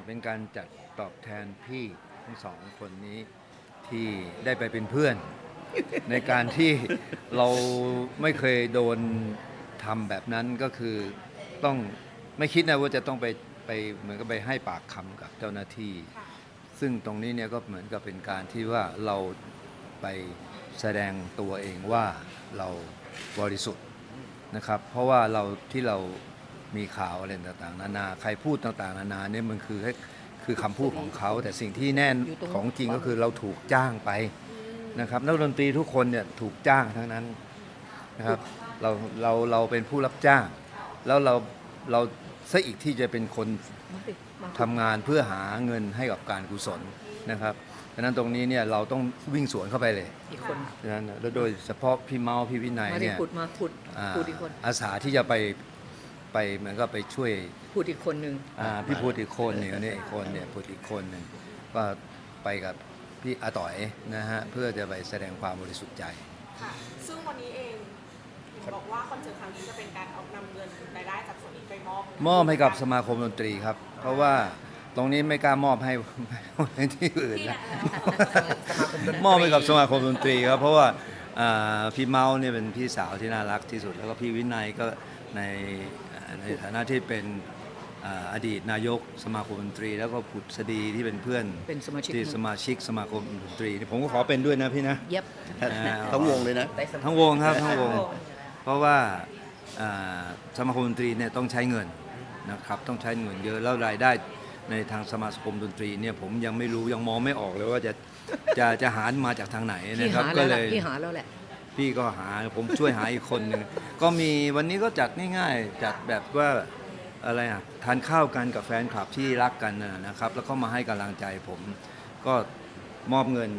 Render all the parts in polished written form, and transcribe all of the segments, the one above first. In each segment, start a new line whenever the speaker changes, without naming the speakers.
เป็นการจัดตอบแทนพี่ทั้งสองคนนี้ที่ได้ไปเป็นเพื่อน ในการที่เราไม่เคยโดนทำแบบนั้นก็คือต้องไม่คิดนะว่าจะต้องไปเหมือนกับไปให้ปากคำกับเจ้าหน้าที่ ซึ่งตรงนี้เนี่ยก็เหมือนกับเป็นการที่ว่าเราไปแสดงตัวเองว่าเราบริสุทธิ์นะครับเพราะว่าเรามีข่าวอะไรต่างๆนานาใครพูดต่างๆนานาเนี่ยมันคือคำพูดของเขาแต่สิ่งที่แน่นของจริงก็คือเราถูกจ้างไปนะครับนักดนตรีทุกคนเนี่ยถูกจ้างทั้งนั้นนะครับเราเป็นผู้รับจ้างแล้วเราซะอีกที่จะเป็นคนทำงานเพื่อหาเงินให้กับการกุศลนะครับดังนั้นตรงนี้เนี่ยเราต้องวิ่งสวนเข้าไปเลย
อีกคน
ดังนั้นแล้วโดยเฉพาะพี่เมาพี่วินัยเนี่ย
พูดอีกคน
อาสาที่จะไปเหมือนก็ไปช่วย
พูดอีกคนหนึ่ง
พี่พูดอีกคนหนึ่งเนี่ยอีกคนเนี่ยพูดอีกคนหนึ่งก็ไปกับพี่อาต่อยนะฮะเพื่อจะไปแสดงความบริสุทธิ์ใจ
ค่ะซึ่งวันนี้เองบอกว่าคอนเสิร์ตครั้งนี้จะเป็นการเอานำเงินรายได้จากส่วนนี้ไปมอบ
ให้กับสมาคมดนตรีครับเพราะว่าตรงนี้ไม่กล้ามอบให้ที่อื่นนะมอบให้กับสมาคมดนตรีครับเพราะว่าพี่เมาเนี่ยเป็นพี่สาวที่น่ารักที่สุดแล้วก็พี่วินัยก็ในฐานะที่เป็นอดีตนายกสมาคมดนตรีแล้วก็ผุดสดีที่เป็นเพื่อนที่สมาชิกสมาคมดนตรีผมก็ขอเป็นด้วยนะพี่นะ
เย็บ
ทั้งวงเลยนะ
ทั้งวงครับทั้งวงเพราะว่าสมาคมดนตรีเนี่ยต้องใช้เงินนะครับต้องใช้เงินเยอะแล้วรายได้ในทางสมาคมดนตรีเนี่ยผมยังไม่รู้ยังมองไม่ออกเลยว่าจะหามาจากทางไหนนะครับ
ก็เลยพี่หาแล้วแหละ
พี่ก็หาผมช่วยหาอีกคนหนึ่งก็มีวันนี้ก็จัดง่ายๆจัดแบบว่าอะไรทานข้าวกันกับแฟนคลับที่รักกันนะครับแล้วก็มาให้กำลังใจผมก็มอบเงิน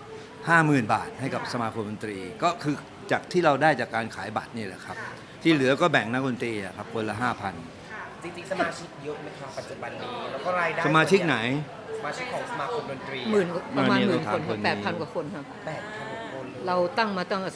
50,000 บาทให้กับสมาคมดนตรีก็คือจากที่เราได้จากการขายบัตรนี่แหละครับที่เหลือก็แบ่งนักดนตรีครับคนละ 5,000
จริงๆสมาชิกเยอะไหมครับปัจจุบันนี้แล้วก็รายได้
สมาชิกไหน
สมาชิกของสมาคมดนตรี
ประมาณ10,000 คน8,000 กว่าคนครับ
8,000 คน
เราตั้งมาตั้งแต่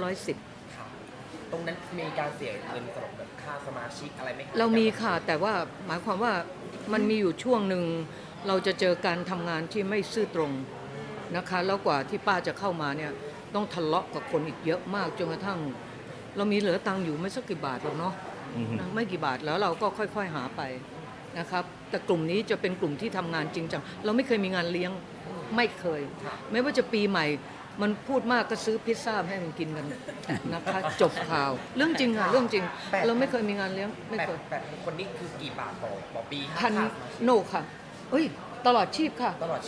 2510
ครับตรงนั้นมีการเสียเงินสำหรับค่าสมาชิกอะไรไหม
เรามีค่ะแต่ว่าหมายความว่ามันมีอยู่ช่วงหนึ่งเราจะเจอการทำงานที่ไม่ซื่อตรงนะคะแล้วกว่าที่ป้าจะเข้ามาเนี่ยต้องทะเลาะกับคนอีกเยอะมากจนกระทั่งเรามีเหลือตังค์อยู่ไม่สักกี่บาทหรอกเนาะไม่กี่บาทแล้วเราก็ค่อยๆหาไปนะครับแต่กลุ่มนี้จะเป็นกลุ่มที่ทำงานจริงจังเราไม่เคยมีงานเลี้ยงไม่เคยไม่ว่าจะปีใหม่มันพูดมากก็ซื้อพิซซ่าให้มันกินกันนะคะจบข่าวเรื่องจริงค่ะเรื่องจริงเราไม่เคยมีงานเลี้ยงไม่เคย
8,000 คนนี่คือกี่บาทต่อปี
พันโนค่ะเอ้ยตลอดชีพค่ะ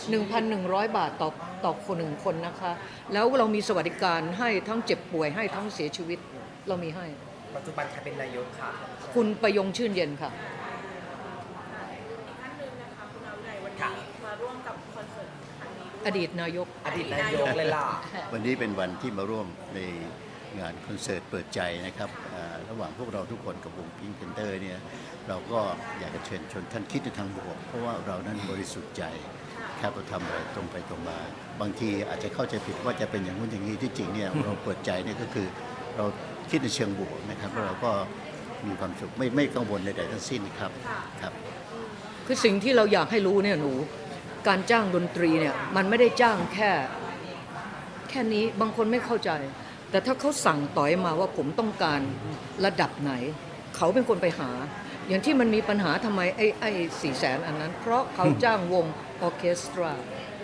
1,100 บาทต่อคนหนึ่งคนนะคะแล้วเรามีสวัสดิการให้ทั้งเจ็บป่วยให้ทั้งเสียชีวิตเรามีให้
ปัจจุบันใครเป็นนายกค่ะ
คุณประยงชื่นเย็นค่ะ
อีกท่านหนึ่งนะคะคุณอาวิไลวันนี้มาร่วมกับคอนเสิร์ตครั้งนี้ด้วย
อดีตนายก
เลยล่ะ
วันนี้เป็นวันที่มาร่วมในงานคอนเสิร์ตเปิดใจนะครับระหว่างพวกเราทุกคนกับวงพิงค์แพนเตอร์เนี่ยเราก็อยากจะเชิญชวนท่านคิดในทางบวกเพราะว่าเรานั้นบริสุทธิ์ใจครับเราทำอะไรตรงไปตรงมาบางทีอาจจะเข้าใจผิดว่าจะเป็นอย่างนู้นอย่างนี้ที่จริงเนี่ยเราเปิดใจเนี่ยก็คือเราคิดในเชิงบวกนะครับแล้วเราก็มีความสุขไม่กังวลใดๆทั้งสิ้นครับครับ
คือสิ่งที่เราอยากให้รู้เนี่ยหนูการจ้างดนตรีเนี่ยมันไม่ได้จ้างแค่นี้บางคนไม่เข้าใจแต่ถ้าเขาสั่งต่อยมาว่าผมต้องการระดับไหนเขาเป็นคนไปหาอย่างที่มันมีปัญหาทำไมไอ้400,000อันนั้นเพราะเขาจ้างวงออร์เคสตรา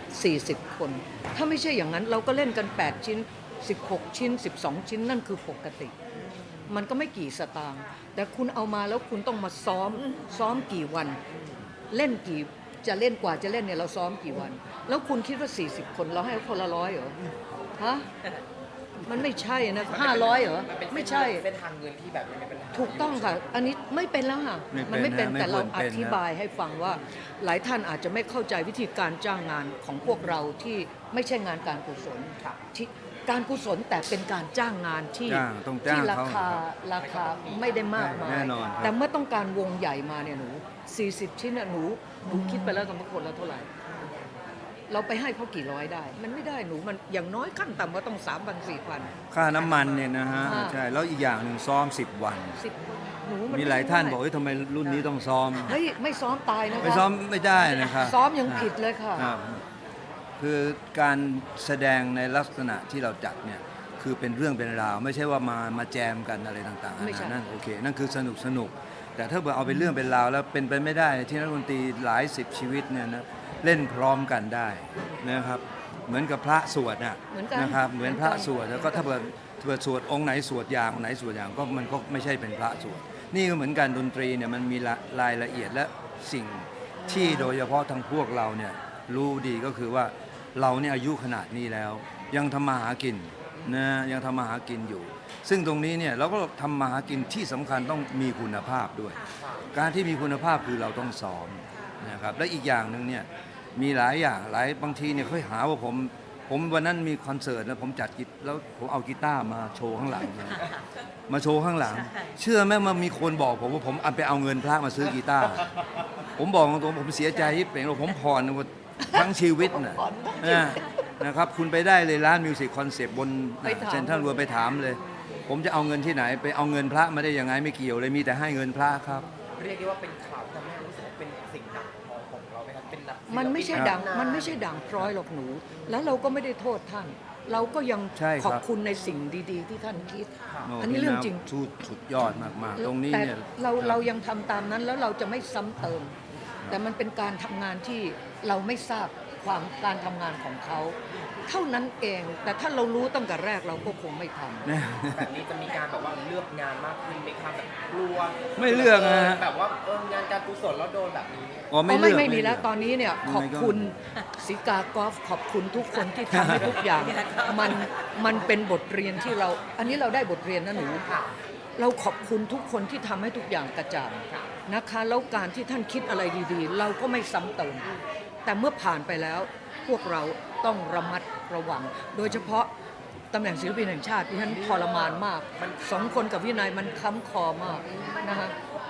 40 คนถ้าไม่ใช่อย่างนั้นเราก็เล่นกัน8ชิ้น16ชิ้น12ชิ้นนั่นคือปกติมันก็ไม่กี่สตางค์แต่คุณเอามาแล้วคุณต้องมาซ้อมกี่วันเล่นกี่จะเล่นกว่าจะเล่นเนี่ยเราซ้อมกี่วันแล้วคุณคิดว่า40 คนเราให้คนละ100เหรอฮะมันไม่ใช่นะ500เหรอไม่ใช่
เป็นทางเงินที่แบบไม่เป็น
ถูกต้องค่ะอันนี้ไม่เป็นแล้วค่ะมันไม่เป็นแต่เราอธิบายให้ฟังว่าหลายท่านอาจจะไม่เข้าใจวิธีการจ้างงานของพวกเราที่ไม่ใช่งานการกุศลที่การกุศลแต่เป็นการจ้างงานที่ราคาไม่ได้มากมายแต่เมื่อต้องการวงใหญ่มาเนี่ยหนู40 ชิ้นหนูคิดไปแล้วกันว่าคนละเท่าไหร่เราไปให้เขากี่ร้อยได้มันไม่ได้หนูมันอย่างน้อยขั้นต่ำก็ต้อง3,000 4,000
ค่าน้ำมันเนี่ยนะฮะใช่แล้วอีกอย่างหนึ่งซ้อม10 วัน
10 วันหนูมัน
มีหลายท่านบอกเฮ้ยทำไมรุ่นนี้ต้องซ้อม
เฮ้ยไม่ซ้อมตายนะคะ
ไม่ซ้อมไม่ได้นะครับ
ซ้อมยังผิดเลยค่ะ
ครับคือการแสดงในลักษณะที่เราจัดเนี่ยคือเป็นเรื่องเป็นราว ไม่ใช่ว่ามาแจมกันอะไรต่างๆ
ไม่ใช่
นั่นโอเค นั่นคือสนุก แต่ถ้าเอาเป็นเรื่องเป็นราวแล้วเป็นไปไม่ได้ที่นักดนตรีหลายสิบชีวิตเนี่ยนะเล่นพร้อมกันได้นะครับ เหมือนกับพระสวดน่ะ
เหมือนกัน
นะครับเหมือนพระสวดแล้วก็ถ้าเกิดสวดองค์ไหนสวดอย่างองค์ไหนสวดอย่างก็มันก็ไม่ใช่เป็นพระสวดนี่ก็เหมือนกันดนตรีเนี่ยมันมีรายละเอียดและสิ่งที่โดยเฉพาะทางพวกเราเนี่ยรู้ดีก็คือว่าเราเนี่ยอายุขนาดนี้แล้ว ยังทำมาหากินนะยังทำมาหากินอยู่ ซึ่งตรงนี้เนี่ยเราก็ทำมาหากินที่สำคัญต้องมีคุณภาพด้วย การที่มีคุณภาพคือเราต้องซ้อมนะครับและอีกอย่างหนึ่งเนี่ยมีหลายอย่างบางทีเนี่ยเขาหาว่าผมวันนั้นมีคอนเสิร์ตแล้วผมจัดกีแล้วผมเอากีตาร์มาโชว์ข้างหลังมาโชว์ข้างหลัง เชื่อไหมมันมีคนบอกผมว่าผมเอาไปเอาเงินพระมาซื้อกีตาร์ผมบอกตรงๆผมเสียใจที่เป็นว่าผมผ่อนทั้งชีวิตนะครับคุณไปได้เลยร้านมิวสิกคอนเซปต์บน
ไปถาม
เซ็นทรัลเวิลด์ไปถามเลย ผมจะเอาเงินที่ไหนไปเอาเงินพระมาได้ยังไงไม่เกี่ยวเลยมีแต่ให้เงินพระครับ
เรียกได้ว่าเป็นข่าวทำให้รู้สึกว่าเป็นสิ่งดังของเราไหมครับเป็นดัง
มันไม่ใช่ดังมันไม่ใช่ดังพร้อยหรอกหนู แล้วเราก็ไม่ได้โทษท่าน เราก็ยัง
ใช่ครับ
ขอบคุณในสิ่งดีๆ ที่ท่านคิด
โ
อันนี้เรื่องจริง
สุดยอดมากๆตรงนี้
แต่
เนี่ย
เรายังทำตามนั้นแล้วเราจะไม่ซ้ำเติม แต่มันเป็นการทำงานที่เราไม่ทราบการทำงานของเขา เท่านั้นเอง แต่ถ้าเรารู้ตั้งแต่แรกเราก็คงไม่ทำ
แบบนี้จะมีการแบบว่าเลือกงานมากขึ้นไหมครับแบบกลัว
ไม่เลือกนะฮะ
แบบว่างานการกุศลแล้วโดนแบบนี้เนี่ย
อ๋อ
ไม่
เลือก
ไม่มี
เลื
แล้
อ
ว
ก
ตอนนี้เนี่ย
ยังไง
ขอบคุณสิกากอล์ฟขอบคุณทุกคนที่ทำให้ทุกอย่างมันเป็นบทเรียนที่เรา อันนี้เราได้บทเรียนนะหนู เราขอบคุณทุกคนที่ทำให้ทุกอย่างกระจ่างนะคะ แล้วการที่ท่านคิดอะไรดีๆ เราก็ไม่ซ้ำเติม แต่เมื่อผ่านไปแล้วพวกเราต้องระมัดระวัง โดยเฉพาะตำแหน่งศิลปินแห่งชาติที่ท่านทรมานมากสองคนกับวินัยมันค้ำคอมากนะคะ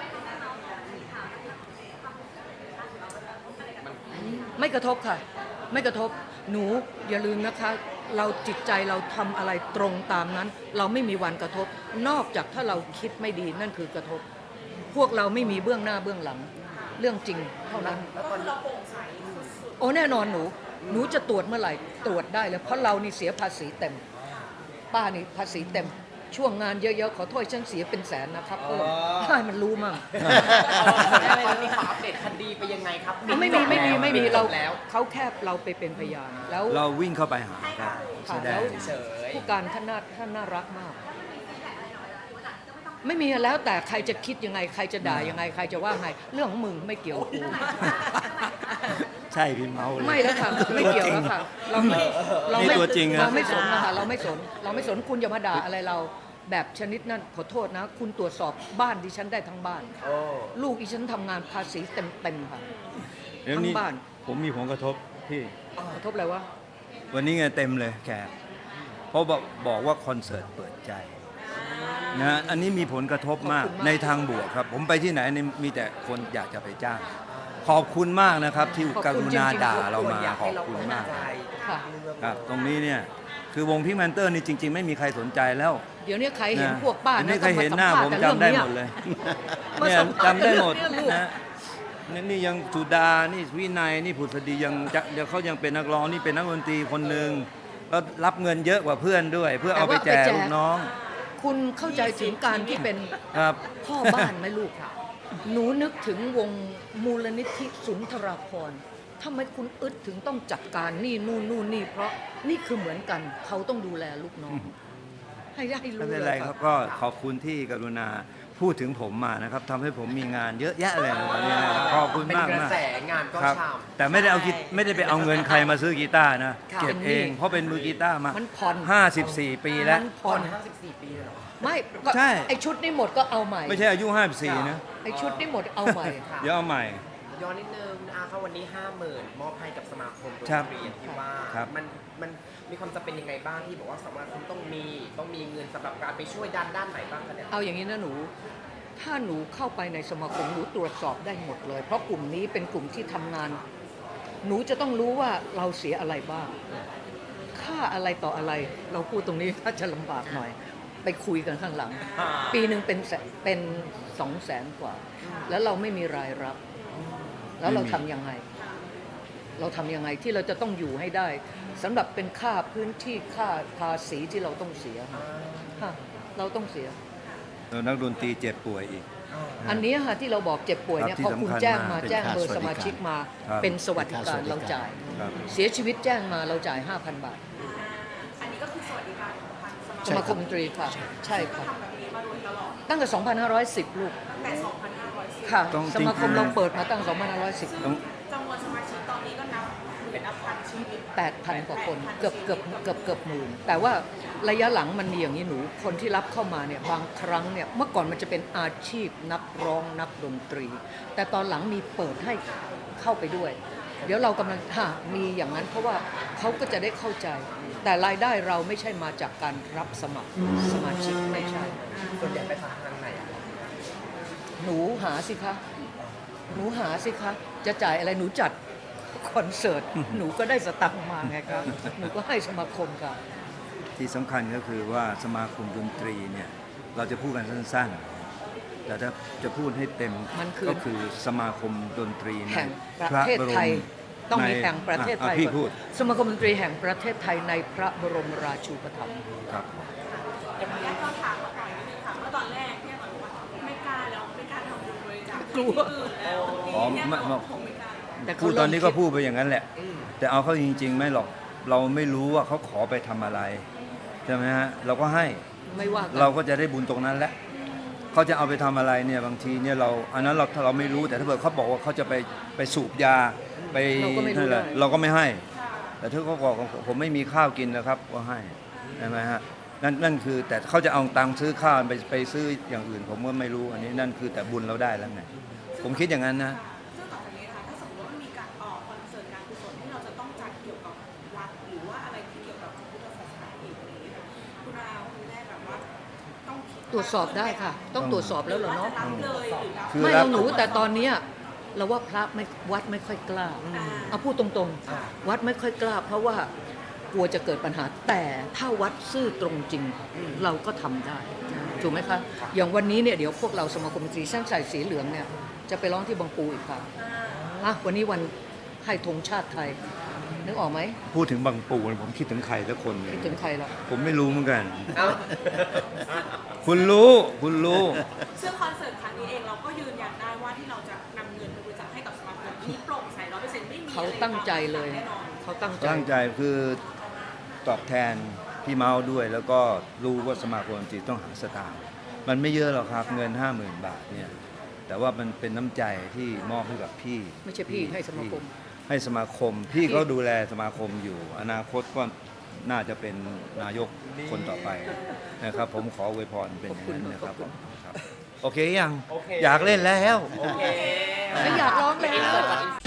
ไม่กระทบค่ะ ไม่กระทบหนูอย่าลืมนะคะ เราจิตใจเราทำอะไรตรงตามนั้น เราไม่มีวันกระทบ นอกจากถ้าเราคิดไม่ดีนั่นคือกระทบ พวกเราไม่มีเบื้องหน้าเบื้องหลัง เรื่องจริงเท่านั้น
ก็คือเราโปร่งใสสุด
โอ้แน่นอนหนูจะตรวจเมื่อไหร่ตรวจได้เลยเพราะเรานี่เสียภาษีเต็ม ป้านี่ภาษีเต็ม ช่วงงานเยอะๆขอโทษฉันเสียเป็นแสนนะครับเพิ่มให้มันรู้มั่ง
ตอนนี้ขออัปเดตคดีไปยังไงครับ
ไม่มี
จ
เรา
บแล้ว
เขาแค่เราไปเป็นพยานแล้ว
เราวิ่งเข้าไปหาครับ
ค่ะ
แสด
แล้
ง
ว
เฉย
ผู้การท่านน่ารักมาก ไม่มีแล้วแต่ใครจะคิดยังไง ใครจะด่ายังไง ใครจะว่าไง เรื่องของมึงไม่เกี่ยวกับกู
ใช่พี่เมาเลย
ไม่แล้วค่ะไม่เกี่ยวแล้วค่ะเราไม่
นี่ตัวจริงอะ
เราไม่สนนะคะเราไม่สนคุณอย่ามาด่าอะไรเราแบบชนิดนั้นขอโทษนะ คุณตรวจสอบบ้านดิฉันได้ทั้งบ้าน
โอ้
ลูกดิฉันทำงานภาษีเต็มค่ะ
เดี๋ยวนี้
ทั้งบ้าน
ผมมีผลกระทบพี่
กระทบอะไรวะ
วันนี้ไงเต็มเลยแขกเพราะบอกว่าคอนเสิร์ตเปิดใจนะอันนี้มีผลกระทบมาก
ขอบคุณมาก
ในทางบวกครับ ผมไปที่ไหนนี่มีแต่คนอยากจะไปจ้าง ขอบคุณมากนะครับ ที่กรุณาด่าเรามาขอบคุณมาก
ค่ะ
ครับตรงนี้เนี่ยคือวงพิกแมนเตอร์นี่จริง ๆ ไม่มีใครสนใจแล้ว
เดี๋ยวนี้ใครเห็น
นะ
พวกป้า
เดี๋ยวนี้
นะ
ใครเห็นหน้าผมจำได้หมดเลย
มา
เนี่ย
สัมภาษณ์
จำได้หมด
เรื่องลูก
นะนี่ยังสุดานี่วินัยนี่ผุษดียังจะเดี๋ยวเขายังเป็นนักร้องนี่เป็นนักดนตรีคนหนึ่งแล้วรับเงินเยอะกว่าเพื่อนด้วย เพื่อเอาไปแจกลูกน้อง
คุณเข้าใจถึงการที่เป็น
ครับ
พ่อบ้านไหมลูกค่ะ หนูนึกถึงวงมูลนิธิสุนทราภรณ์ทำไมคุณอึดถึงต้องจัดการนี่นู่นนี่เพราะนี่คือเหมือนกันเขาต้องดูแลลูกน้อง ให้ได้
ไม่
รู้
เป็น
เล
ไร
ย
ค
ค
รั
รั
บบ ก็ขอบคุณที่กรุณาพูดถึงผมมานะครับทำให้ผมมีงานเยอะแยะเลยวันนี้นะครับขอบคุณ
เป็น
มาก
กระ
มาก
แสงานก็
ครับ
ช่
แต่ไม่ได้เอาไม่ได้ไปเอาเงินใครมาซื้อกีตาร์นะ
ค่ะ
เก็บเองเพราะเป็นมือกีตาร์มา
มันผ่อน
54 ปีแล้ว
มัน
ำ
ผ่อน
54 ปีเลยเหรอ
ไม่ก็
ใช่
ไอชุดนี้หมดก็เอาใหม่
ไม่ใช่อายุ 54 นะ
ไอชุดนี้หมดเอาใหม่
ค่ะ
เดี๋ยวเอาใหม่
ย้อนนิดนึงนะคะวันนี้ 50,000 มอบให้กับสมาคมดน
ครับ
ตรีอย่างที่ว่า
ครับ
มันมีความจำเป็นยังไงบ้างที่บอกว่าสมาคมต้องมีเงินสำหรับการไปช่วยด้านไหนบ้างคะเนี่ย
เอาอย่างนี้นะหนู ถ้าหนูเข้าไปในสมาคมหนูตรวจสอบได้หมดเลย เพราะกลุ่มนี้เป็นกลุ่มที่ทำงาน หนูจะต้องรู้ว่าเราเสียอะไรบ้าง ค่าอะไรต่ออะไร เราพูดตรงนี้ถ้าจะลำบากหน่อยไปคุยกันข้างหลัง
อ่า
ปีหนึ่งเป็น200,000 กว่า แล้วเราไม่มีรายรับ แล้วเราทำยังไง เราทำยังไงที่เราจะต้องอยู่ให้ได้สำหรับเป็นค่าพื้นที่ค่าภาษีที่เราต้องเสียค่ะเราต้องเสีย
แล้วนักดนตรีเจ็บป่วยอีก
อันนี้ค่ะที่เราบอกเจ็บป่วยเนี่ย
ครับ
พอคุณ
ที่สำคัญ
แจ้ง
มาม
าก แจ้งเบอร์สมาชิกมา
ครับ
เป็นสวัสดิการเราจ่าย
ครับ
เสียชีวิตแจ้งมาเราจ่าย 5,000 บาท
อันนี้ก็คือสวัสดิการของทางสมา
ส
ชิก
มาคมดนตรีค่ะ ใช่
ก็
ค่ะ
ทำแบบนี้มาโดยตลอด
ตั้งแต่ 2,510 ลูก
แต่ 2,510
ค่ะ
ต้อง
สมาคม
จริงๆ
เราเปิดมาตั้ง
ซึ่ง
2,510
จำนวนสมาชิกตอนนี้ก็นับเป็นอัพพันชีวิต
8,000 กว่าคนเกือบหมื่นแต่ว่าระยะหลังมันมีอย่างนี้หนูคนที่รับเข้ามาเนี่ยบางครั้งเนี่ยเมื่อก่อนมันจะเป็นอาชีพนักร้องนักดนตรี แต่ตอนหลังมีเปิดให้เข้าไปด้วย เดี๋ยวเรากำลังมีอย่างนั้นเพราะว่าเขาก็จะได้เข้าใจ แต่รายได้เราไม่ใช่มาจากการรับสมัครสมาชิกไม่ใช่
ส่วนใหญ่ไปทางไหนอะ
หนูหาสิคะหนูหาสิคะจะจ่ายอะไรหนูจัดคอนเสิร์ตหนูก็ได้สตังค์มาไงครับหนูก็ให้สมาคมค่ะ
ที่สำคัญก็คือว่าสมาคมดนตรีเนี่ยเราจะพูดกันสั้นๆ แต่ถ้าจะพูดให้เต็ม
มันคือ
ก็คือสมาคมดนตรีใน
แห่งประเทศไทย ต้องมีแห่งประเทศไทย
พี่
ก่อน
พูด
สมาคมดนตรีแห่งประเทศไทยในพระบรมราชูปถัมภ์
ครับ
เดี๋ยวขออนุญาตย้อนถามมาก่อนนิดนึงค่ะเมื่อตอนแรกเนี่ยบอกว่าไม่กล้าแล้วไม่กล้าทำบุญบริจาค
กลัว
ที่อื่นแล้ว
อ๋อ
เนี่ย
ไม่
บอกคงไม่กล้า
แต่เขา
พูดตอนนี้ก็
เริ่มคิด
พูดไปอย่างนั้นแหละ แต่เอาเข้าจริงๆ ไม่หรอกเราไม่รู้ว่าเขาขอไปทำอะไรใช่ไหมฮะเราก็ให้
ไม่ว่ากั
เราก็จะได้บุญตรงนั้นแหละเขาจะเอาไปทำอะไรเนี่ยบางทีเนี่ยเราอันนั้นเราถ้าเราไม่รู้แต่ถ้าเกิดเขาบอกว่าเขาจะไปสูบยาไป
เราก็ไม่รู้
นั่นแหละ
ได้
เราก็ไม่ให้ แต่ถ้าเขาบอกผมไม่มีข้าวกินนะครับก็ให้ใช่ไหมฮะนั่นคือแต่เขาจะเอาตังค์ซื้อข้าวไปซื้ออย่างอื่น ผมก็ไม่รู้อันนี้นั่นคือแต่บุญเราได้แล้วไงผมคิดอย่างนั้นนะ
ซึ่งต่อจากนี้นะคะถ้าสมมติว่ามันมีการคอนเสิร์ตการกุศลที่เราจะต้องจัดเกี่ยวกับวัดหรือว่าอะไรที่เกี่ยวกับพระพุทธศาสนาอีกอะไรอย่างเงี้ยค่ะคุณอาคุณแม่แบบว่าต้องคิด
ตรวจสอบได้ค่ะ ต้องตรวจสอบแล้วเหรอเนาะ
ว่าจะรับเลยหรือรับ
คือ
ไม่
รับ
เราหนูแต่ตอนเนี้ยเราว่าพระไม่วัดไม่ค่อยกล้าเอาพูดตรงๆ วัดไม่ค่อยกล้า เพราะว่ากลัวจะเกิดปัญหา แต่ถ้าวัดซื่อตรงจริง เราก็ทำได้ถูกไหมคะอย่างวันนี้เนี่ยเดี๋ยวพวกเราสมาคมดนตรีช่างใส่สีเหลืองเนี่ยจะไปร้องที่บางปูอีกค่ะวันนี้วันให้ธงชาติไทยนึกออกไหม
พูดถึงบางปูผมคิดถึงใครสักคนหนึ่ง
คิดถึงใครล่ะ
ผมไม่รู้เหมือนกัน
เอ้า
คุณรู้
ซึ่งคอนเสิร์ตครั้งนี้เองเราก็ยืนยันได้ว่าที่เราจะนำเงินไปบริจาคให้กับสมาคมนี้โปร่งใส100%ไม่มี
เขาตั้งใจเลย
แน่นอน
เขาตั้งใจ
ตั้งใจคือตอบแทนพี่เมาส์ด้วย แล้วก็รู้ว่าสมาคมดนตรีต้องหาสตางค์มันไม่เยอะหรอกครับเงิน 50,000 บาทเนี่ยแต่ว่ามันเป็นน้ำใจที่มอบให้กับพี่
ไม่ใช่พี่ให้สมาคม
ให้สมาคมพี่เขาดูแลสมาคมอยู่ อนาคตก็น่าจะเป็นนายกคนต่อไปนะครับ ผมขออวยพรเป็นอย่างนั้นนะครับผมครับโอเคยัง
โอเค
อยากเล่นแล้ว
โอเค
ไม่อยากร้องแล้ว